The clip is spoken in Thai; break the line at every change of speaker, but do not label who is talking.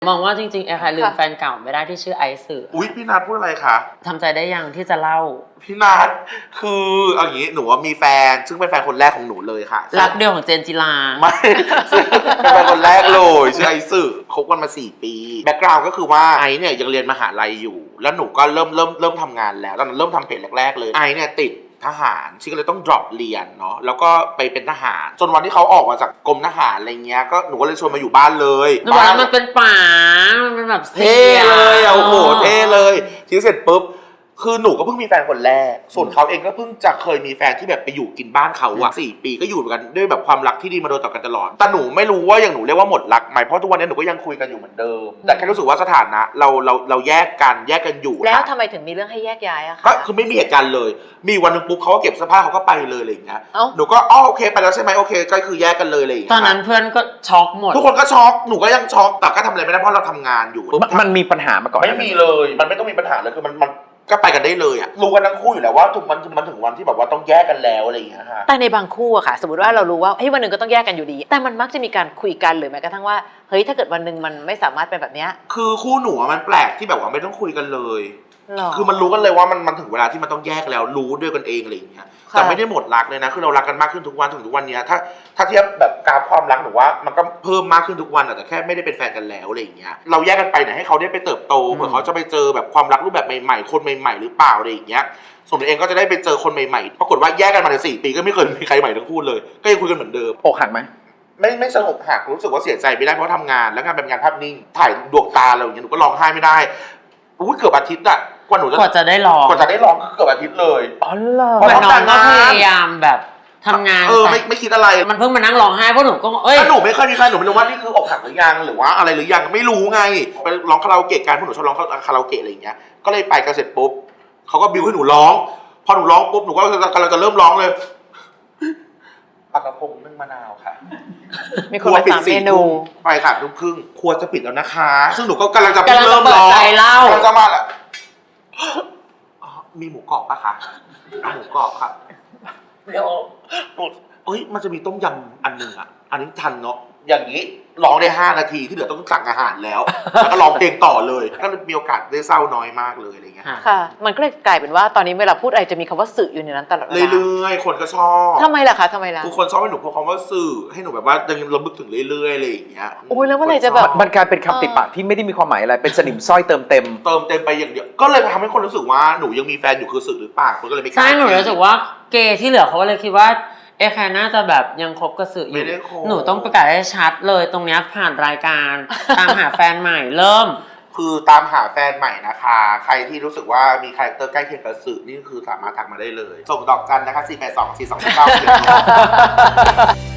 มองว่าจริงๆแอร์ค่ะลืมแฟนเก่าไม่ได้ที่ชื่อไอซ์สื่อ
อุ๊ยพี่นัทพูดอะไรคะ
ทำใจได้ยังที่จะเล่า
พี่นัทคือเอาอย่างนี้หนูว่ามีแฟนซึ่งเป็นแฟนคนแรกของหนูเลยค่ะ
รักเดียวของเจนจิลา
ไม่เป็นแฟนคนแรกเลยชื่อไอซ์สื่อคบกันมา4 ปีแบ็คกราวด์ก็คือว่าไอซ์เนี่ยยังเรียนมหาลัยอยู่แล้วหนูก็เริ่มทำงานแล้วตอนนั้นเริ่มทำเพจแรกๆเลยไอซ์เนี่ยติดทหารชิก็เลยต้อง drop เรียนเนาะแล้วก็ไปเป็นทหารจนวันที่เขาออกมาจากกรมทหารอะไรเงี้ยก็หนูก็เลยชวนมาอยู่บ้านเลย
บ้านมันเป็นป่ามันเป็นแบบ
เท่เลยโอ้โหเท่เลยทีเสร็จปุ๊บคือหนูก็เพิ่งมีแฟนคนแรกส่วนเขาเองก็เพิ่งจะเคยมีแฟนที่แบบไปอยู่กินบ้านเขาอะ4 ปีก็อยู่กันด้วยแบบความรักที่ดีมาโดยต่อกันตลอดแต่หนูไม่รู้ว่าอย่างหนูเรียกว่าหมดรักไหมเพราะทุกวันนี้หนูก็ยังคุยกันอยู่เหมือนเดิมแต่แค่รู้สึกว่าสถานะเราแยกกันอยู่
แล้วทำไมถึงมีเรื่องให้แยกย้ายอะคะ
ก็คือไม่มีเหตุการณ์เลยมีวันนึงปุ๊บเขาก็เก็บเสื้อผ้าเขาก็ไปเลยอะไรอย่างเงี้ยหนูก็โอเคไปแล้วใช่ไหมโอเคก็คือแยกกันเลยอะไรอย่างเงี้ย
ตอนนั้นเพื่อนก็ช็อกหมด
ทุกคนก็ช็อกหนูก็ยังช็อกแต่ก็ทำอะไรไม่ได้เพราะเราทำงานอยู่
มันมีปัญหามาก่อน
ไม่มีเลยมันไม่ต้องมีปัญหาเลยคือมันก็ไปกันได้เลยอะรู้กันทั้งคู่อยู่แล้วว่ามันถึงวันที่แบบว่าต้องแยกกันแล้วอะไรอย่างเงี้ยค่ะ
แต่ในบางคู่อะค่ะสมมติว่าเรารู้ว่าเฮ้ยวันหนึ่งก็ต้องแยกกันอยู่ดีแต่มันมักจะมีการคุยกันหรือแม้กระทั่งว่าเฮ้ยถ้าเกิดวันหนึ่งมันไม่สามารถเป็นแบบเนี้ย
คือคู่หนูมันแปลกที่แบบว่าไม่ต้องคุยกันเลย
คื
อมันรู้กันเลยว่ามันถึงเวลาที่มันต้องแยกแล้วรู้ด้วยกันเองอะไรอย่างเงี้ยแต่ไม่ได้หมดรักเลยนะคือเรารักกันมากขึ้นทุกวันถึงทุกวันนี้ถ้าเทียบแบบกราฟความรักหนูว่ามันก็เพิ่มมากขึ้นทุกวันแต่แค่ไม่ได้เป็นแฟนกันแล้วอะไรอย่างเงี้ยเราแยกกันไปเนี่ยให้เขาได้ไปเติบโตเผื่อเขาจะไปเจอแบบความรักรูปแบบใหม่ๆคนใหม่ๆหรือเปล่าอะไรอย่างเงี้ยส่วนตัวเองก็จะได้ไปเจอคนใหม่ๆปรากฏว่าแยกกันมาใน4 ปีก็ไม่เคยมีใครใหม่ทั้งคู่เลยก็ยังคุยกันเหมือนเดิม
อกหักไหม
ไม่สงบหักรู้สึกว่าเสียใจไม่ได้เพราะทำงานแล้วงานเป็นงานภาพนิ่งถ่ายดวงตาเราอย่างเงี้ยหนูก็ร้องไห้ไม่ได้เกือบอาทิตย์อะก
ว่าจะได้ร้อง
ก็เกือบอาทิตย์เลย
อ๋อเหรอ
เหมือนน้องก็พยายามแบบทำงาน
ไม่คิดอะไร
มันเพิ่งมานั่งร้องไห้เพราะหนูก็
ถ้าหนูไม่เคยมีแฟนหนูไม่รู้ว่านี่คืออกหักหรือยังหรือว่าอะไรหรือยังไม่รู้ไงไปร้องคาราโอเกะกันเพราะหนูชอบร้องคาราโอเกะอะไรอย่างเงี้ยก็เลยไปกันเสร็จปุ๊บเขาก็บิวให้หนูร้องพอหนูร้องปุ๊บหนูก็กำลังจะเริ่มร้องเลยปลากระพงนึ่งมะนาวค่ะ
มีคนมา3 เมนู
ไปค่ะทุ่มครึ่งครัวจะปิดแล้วนะคะซึ่งหนูก็กำลังจะเริ่มร้องกำลังจะมาแล้วมีหมูกรอบปะคะหมูกรอบค่ะเดี๋ยวมันจะมีต้มยำอันนึงอ่ะอันนี้ทันเนาะอย่างนี้ร้องได้5 นาทีที่เหลือต้องสั่งอาหารแล้วก็ร้องเพลงต่อเลยก็มีโอกาสได้เศร้าน้อยมากเลยอะไรเงี้ย
ค่ะมันก็เลยกลายเป็นว่าตอนนี้เวลาพูดอะไรจะมีคำว่าสื่ออยู่ในนั้นตลอดเวลา
เรื่อยๆคนก็ชอบ
ทำไมล่ะคะ
ทุกคนชอบให้หนูพูดคำว่าสื่อให้หนูแบบว่ายังระลึกถึงเรื่อยๆอะไรอย่างเงี้ย
โอ้ยแล้วเมื่อไหร่จะแบบ
มันกลายเป็นคำติดปากที่ไม่ได้มีความหมายอะไรเป็นสนิมสร้อยเติมเต็ม
ไปอย่างเดียวก็เลยทำให้คนรู้สึกว่าหนูยังมีแฟนอยู่คือสื่อหรือเปล่าคนก็เลยไม่กล้า
ใช่หนูรู้สึกว่าเกย์ที่เหลือเขาเลยคิดว่าแค่น่าจะแบบยังคบกับสื่ออยู่หนูต้องประกาศให้ชัดเลยตรงนี้ผ่านรายการตามหาแฟนใหม่เริ่ม
คือตามหาแฟนใหม่นะคะใครที่รู้สึกว่ามีคาแรคเตอร์ใกล้เคียงกับสื่อนี่คือสามารถทักมาได้เลยส่งดอกจันนะคะ482 4299